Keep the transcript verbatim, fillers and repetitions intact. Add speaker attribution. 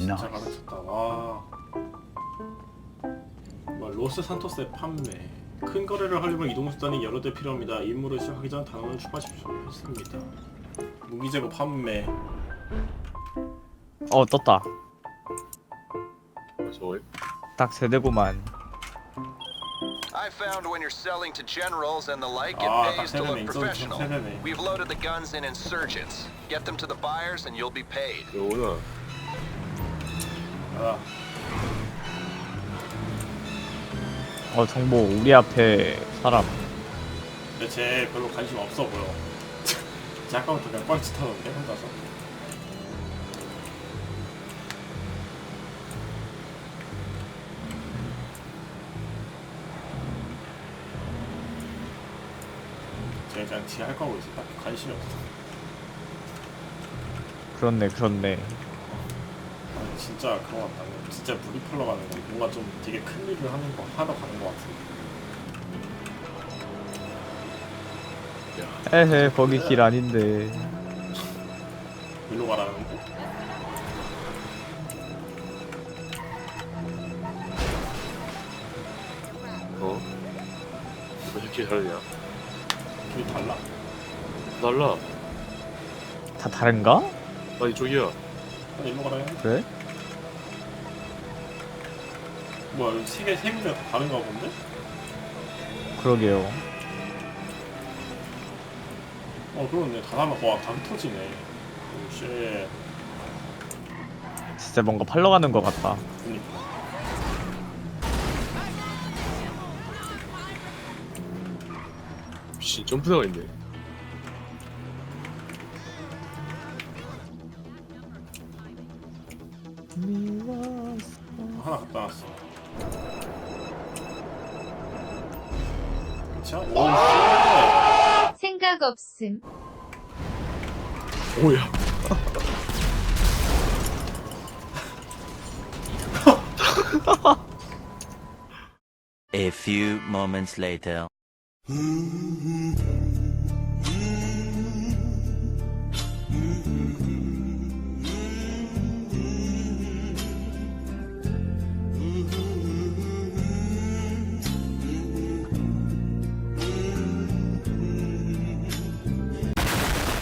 Speaker 1: 진짜 가르쳤다. 와. 뭐, 로스 산토스의 판매. 큰 거래를 하려면 이동수단이 여러 대 필요합니다. 임무를 시작하기 전 단원을 추가하십시오. 했습니다. 무기재고 판매.
Speaker 2: 어 떴다.
Speaker 3: 저거요?
Speaker 2: 딱 세대구만.
Speaker 4: I found when you're selling to generals and the like, it
Speaker 1: 아, 딱
Speaker 4: pays to
Speaker 1: 세대네.
Speaker 4: look
Speaker 1: 인정
Speaker 4: professional.
Speaker 1: 세대네.
Speaker 4: We've loaded the guns in insurgents. Get them to the buyers and you'll be paid.
Speaker 3: 요거는
Speaker 1: 아,
Speaker 2: 어 정보 우리 앞에 사람.
Speaker 1: 근데 쟤 별로 관심 없어 보여. 쟤 아까부터 그냥 뻘짓하던데 혼자서. 쟤 그냥 지 할 거 하고 있어. 딱히 관심이 없어.
Speaker 2: 그렇네 그렇네.
Speaker 1: 아니, 진짜 그런 것 같다. 진짜 물이 풀러 가는 거. 뭔가 좀 되게 큰 일을 하는 거 하러 가는 거 같은데.
Speaker 2: 에헤 거기 길 아닌데.
Speaker 1: 일로 가라는데?
Speaker 3: 어? 왜 이렇게 다르냐?
Speaker 1: 길이 달라?
Speaker 3: 달라.
Speaker 2: 다 다른가?
Speaker 3: 나 이쪽이야.
Speaker 1: 아니, 일로 가라 해.
Speaker 2: 그래?
Speaker 1: 뭐야, 여기 세 개, 세 군데가 다 다른가 본데?
Speaker 2: 그러게요.
Speaker 1: 어, 그렇네. 다 달라. 와, 다 흩어지네. 오, 쉣.
Speaker 2: 진짜 뭔가 팔러 가는 것 같다.
Speaker 1: 그니까.
Speaker 3: 미친 점프대가 있네.
Speaker 1: 하나 갖다 놨어. 자, 오, 쉣.
Speaker 5: 생각 없음.
Speaker 3: 오야.
Speaker 6: A few moments later.
Speaker 7: Mm-hmm. Mm-hmm. Mm-hmm.